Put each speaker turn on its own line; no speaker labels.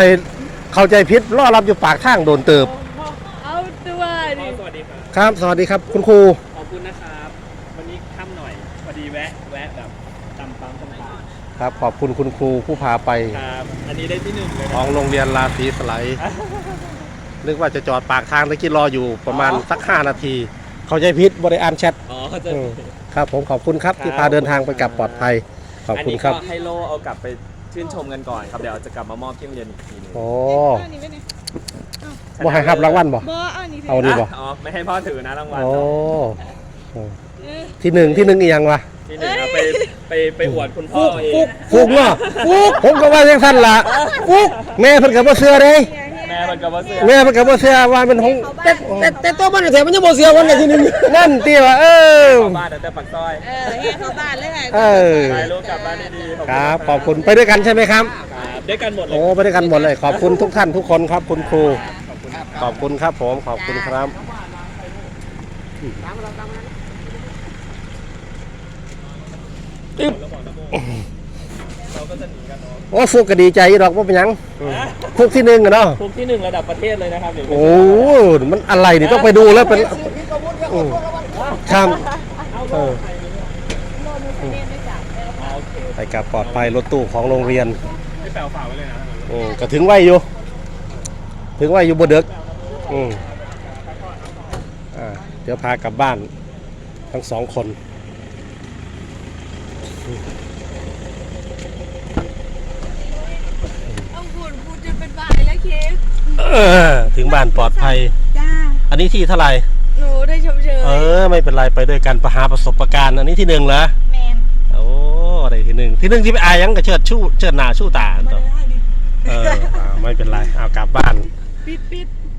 ให้เข้าใจผิดรอรับอยู่ปากทางโดนเติบ
เอาตัวดิ
สวัสดีครับ
ครับสวัสดีครับคุณครู
ขอบคุณนะครับวันนี้ค่ำหน่อยพอดีแวะแบบตำปั๊มตำปั๊ม
ครับขอบคุณคุณครูผู้พาไป
ครับอันนี้ได้ที่ 1เลย
ของโรงเรียนราศีสไลด์นึกว่าจะจอดปากทางตะกี้รออยู่ประมาณสัก5 นาทีเข้าใจผิดบริอ่านแชทครับผมขอบคุณครับที่พาเดินทางไปกลับปลอดภัยขอบคุณครับ
อันนี้ก็ให้โลเอากลับไปชื่นชมกันก่อนครับเดี๋ยวจะกลับมามอบที่โรงเรียนอีกทีนึง
โอ้บ่ให้รับรางวัลบ่เอาดีบ่
อ๋อไม่ให้พ่อถือนะรางวัล
โอ้ที่หนึ่งอีกยังวะ
ที่1เอาไปอวดคุณพ่อเอง
ฟุกเนาะฟุกผมก็ว่าอย่างท่านล่ะฟุกแม่เพิ่นก็บ่เชื่อเด้
แม่มันกับว่าเสื้อ
ว่าเป็นของแต่ตัวมันแถมมันยังบ่เชื่อวันที่หนึ่งนั่นติว่า
เข้าบ้านแต่ปักซอย
เข้าบ้านเลย
ไปลูกกลับบ้านดี
ๆครับขอบคุณไปด้วยกันใช่ไหมครับ
ด้วยกันหมดเลย
โอ้ไปด้วยกันหมดเลยขอบคุณทุกท่านทุกคนครับคุณครูขอบคุณครับผมขอบคุณครับ
เราก็จะหนีกันเนาะ
โอ้ฟุกก็ดีใจดอกว่าเป็นยังฟุกที่1อะเนาะ
ฟุกที่1ระดับประเทศเลยนะครับ
โอ้มันอะไรนี่ต้องไปดูแล้วเป็นครับไปกับปลอดภัยรถตู้ของโรงเรียน
ไม่แปลวฝาไว้เลยนะ
ก็ถึงไว้อยู่บ่เด็กเดี๋ยวพากลับบ้านทั้ง2 คน
พูดจะเป็นบ้าแล้วเคส
ถึงบ้านปลอดภัย
จ้า
อันนี้ที่เท่าไหร่
หนูได้ชมเชย
ไม่เป็นไรไปด้วยกันประสบการณ์อันนี้ที่1เหรอ
แมน
โอ้อะไรที่1ที่ไปอายยังกับเชิดหน้าชู่ตาตัวไม่เป็นไรเอากลับบ้าน
ปิด